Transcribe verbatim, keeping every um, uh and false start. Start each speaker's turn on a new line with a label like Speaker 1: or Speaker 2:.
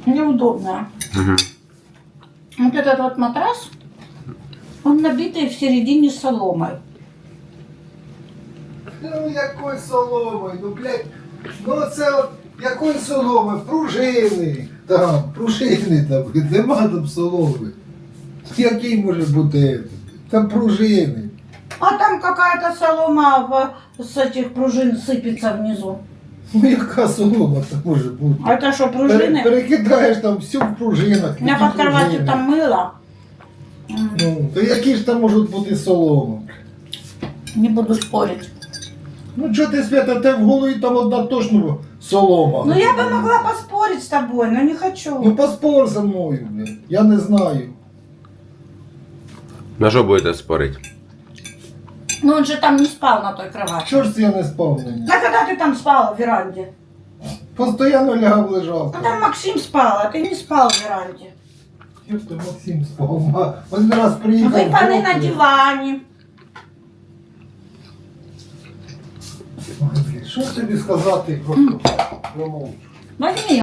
Speaker 1: неудобная.
Speaker 2: Угу.
Speaker 1: Вот этот вот матрас, он набитый в середине соломой.
Speaker 3: Ну якої соломи, ну блядь, ну це от якої соломи, пружини, там, пружини там, нема там соломи. Який може бути? Там пружини.
Speaker 1: А там какая-то солома в, с этих пружин сыпется внизу.
Speaker 3: Ну яка солома там може бути?
Speaker 1: А это что,
Speaker 3: Пере-
Speaker 1: пружины?
Speaker 3: Перекидаєш там все в пружинах.
Speaker 1: У меня
Speaker 3: які
Speaker 1: под кроватью
Speaker 3: пружини.
Speaker 1: там мыло. М,
Speaker 3: Ну, то які ж там можуть бути соломи?
Speaker 1: Не буду спорить.
Speaker 3: Ну чого ти, Свята, те в голові там одна точно солома.
Speaker 1: Ну я бы могла поспорить с тобой, но не хочу.
Speaker 3: Ну поспор за мною, блядь. Я не знаю.
Speaker 2: На що будете спорити?
Speaker 1: Ну он же там не спал на той кровати.
Speaker 3: Чого ж це я не спав на ній?
Speaker 1: А когда ты там спал в веранде?
Speaker 3: Постоянно лягав лежав.
Speaker 1: Ну там Максим спал, а ты не спал в веранде.
Speaker 3: Як ти, Максим, спав? Ма- Один раз приїхав.
Speaker 1: Выпаны на
Speaker 3: вдруг,
Speaker 1: диване.
Speaker 3: Ой, блядь, що тобі сказати просто? Промовчу.
Speaker 1: Возьми.